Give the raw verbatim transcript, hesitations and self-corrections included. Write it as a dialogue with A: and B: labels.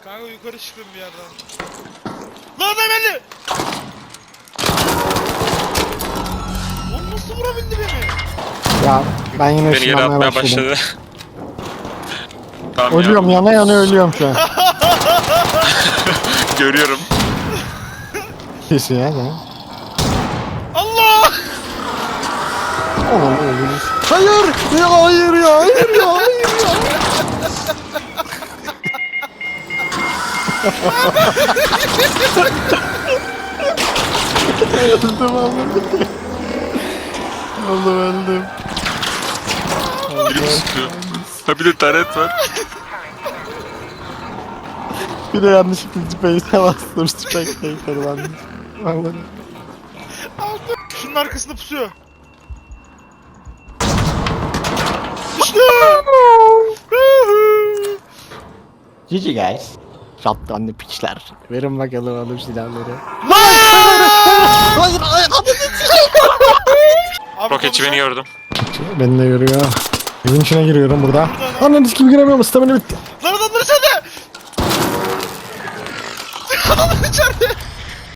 A: Kanka yukarı çıktım bir yerden. Lan adam geldi! Oğlum nasıl vurabildi beni?
B: Ya ben yine
C: Beni yere
B: ışınlanmaya
C: atmaya
B: başladım.
C: başladı. Tamam
B: Ölüyorum,
C: ya.
B: yana yana ölüyorum şu an.
C: Görüyorum.
B: Kesin ya sen.
A: Allah!
B: Oğlum öldünüz. Hayır! Ya hayır ya! Hayır ya! Hayır ya! Öldüm oğlum. Oğlum öldüm.
C: Biri mi sıkıyor? Ha bir de taret var.
B: Bir de yanlışlıkla space'e bastım. Spectator varmış. Vallahi.
A: Aldım. Şunun arkasında pusuyor. İşte!
B: G G guys. Shotgun'lı piçler. Verin bakalım alıp silahları. Hayır hayır
A: Abi
C: Roketçi beni gördüm.
B: beni de görüyor. Evin içine giriyorum burada. Ananı kim giremiyorum, stamina bitti.
A: Lan adamlar içeride! Adamlar içeride!